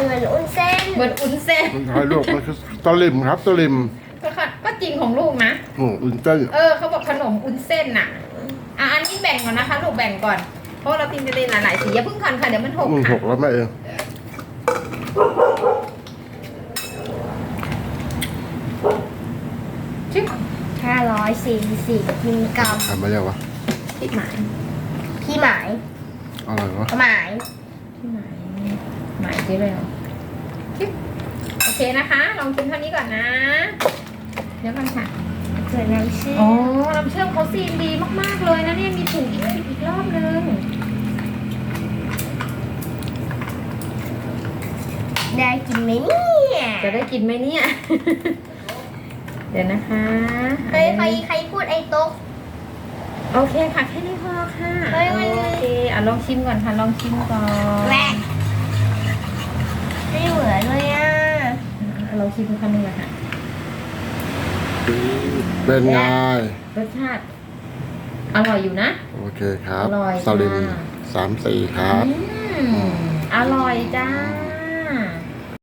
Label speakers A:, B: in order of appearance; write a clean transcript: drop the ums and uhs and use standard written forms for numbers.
A: เหมือนอุ้นเส้น
B: เหมือนอุ้นเส้น
C: มันไทยลูกมันคือตะลิมครับตะลิม
B: ก็จริงของลูกนะ
C: อุ่นเส้น
B: เขาบอกขนมอุ้นเส้นน่ะอันนี้แบ่งก่อนนะคะลูกแบ่งก่อนเพราะเราติมจะได้หลายๆสีอย่าเพิ่งคันค่ะเดี๋ยวมันหก
C: มันห
B: ค่ะ
C: กแล้วแม่เอง
B: ชิบ
A: 540 มิลลิกรัม
C: ทำมายังวะ
B: พี่หมาย
A: พี่หมาย
C: อะไรวะ
A: หมาย
B: พี่หมายหมายที่เลยชิบโอเคนะคะ ลองชิมเท่านี้ก่อนนะ เดี๋ยวก่อนค่ะ
A: ส่วนน้ำเชื่อ
B: อ๋อ
A: ม
B: น้ำเชื่อมเขาซีนดีมากๆเลยนะเนี่ยมีถุงอีกรอบนึง
A: ได้กินไหมเนี่ย
B: จะได้กินไหมเนี่ย เดี๋ยวนะคะ
A: เฮ้ยใครพูดไอ้โต๊ะ
B: โอเคค่ะแค่นี้พอค่ะ
A: เฮ้ยมัน
B: โอเคลองชิมก่อนค่ะลองชิมก่อน
A: แหวกไม่เหมือนเลยอ่ะ
B: ลองชิมคำนึงเลยค่ะ
C: เป็นไง
B: รสชาติอร่อยอยู่นะ
C: โอเคครับ
B: อร่อย
C: ตะลิม
B: ค่ะ
C: 3-4ครับ
B: อร่อยจ้า